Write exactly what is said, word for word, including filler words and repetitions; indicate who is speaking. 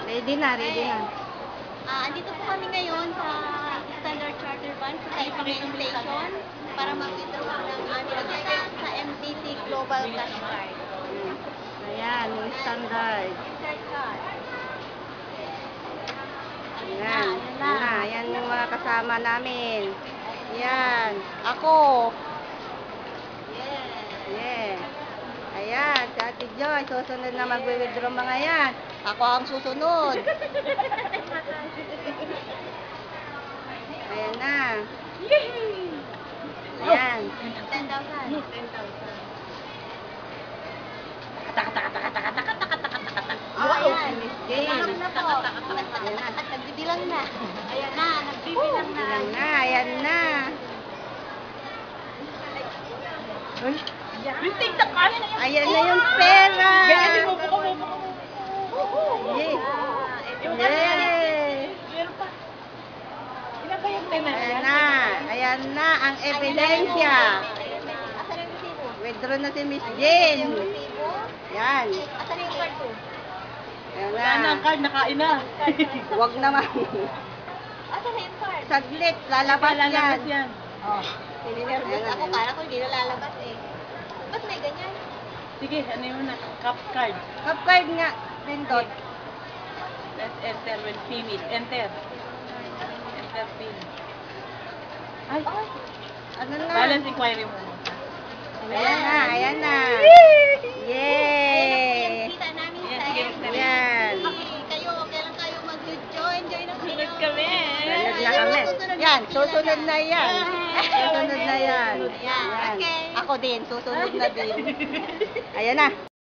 Speaker 1: Ready na, ready na.
Speaker 2: Ah, andito po kami ngayon sa Standard Charter Bank sa Taipei Station para mag-withdraw ng aming account sa M T C Global Cash Card.
Speaker 1: Ayan, yung standard.
Speaker 2: Insert card.
Speaker 1: Ayan,
Speaker 2: Ayan
Speaker 1: ayan na. Ayan yung mga kasama namin. Ayan, ako.
Speaker 2: Yes.
Speaker 1: Yeah. Ayan, si Ate Joy, susunod na mag-withdraw mga yan. Ako ang susunod. Ayan na. Ayan.
Speaker 2: ten thousand.
Speaker 1: Wow,
Speaker 2: ayan.
Speaker 1: si Miss Jane.
Speaker 2: Ayan na po. At nagbibilang na. Ayan na, nagbibilang na.
Speaker 1: Ayan na, ayan na. Uy, ayan na yung pera. Yay! Yay! Ayan na, ayan na ang ebidensya.
Speaker 2: Asan yung resibo?
Speaker 1: Withdraw na si Miss Jane.
Speaker 2: Yung resibo?
Speaker 1: Yan.
Speaker 2: Asan yung card ko?
Speaker 1: Ayan
Speaker 3: Wala na ang
Speaker 1: na.
Speaker 3: card, nakain na.
Speaker 1: Huwag naman.
Speaker 2: Asan na yung card?
Speaker 1: Saglit, lalabas
Speaker 3: Lalabas
Speaker 1: yan.
Speaker 3: yan.
Speaker 2: Oh, nilinervous ako. Kala ko hindi na lalabas eh. Ba't may ganyan?
Speaker 3: Sige, ano yun na? Cup card.
Speaker 1: Cup card nga. Pindot.
Speaker 3: Let's enter when finish. Enter. Enter pin. Ay,
Speaker 1: Ano na?
Speaker 3: balance inquiry mo.
Speaker 1: Ayan na, ayan na.
Speaker 2: Ayan
Speaker 1: Yay!
Speaker 2: ang kita namin
Speaker 3: Ayan,
Speaker 2: sa
Speaker 3: sige,
Speaker 2: M T C.
Speaker 1: Yan.
Speaker 2: Kayo, kailan kayo mag-join? Join na kayo.
Speaker 3: Sunod kami.
Speaker 1: Sunod na kami. Yan, susunod na yan. Susunod na yan.
Speaker 2: Ayan,
Speaker 1: Yan.
Speaker 2: okay.
Speaker 1: Ako din, susunod na din. Ayan na.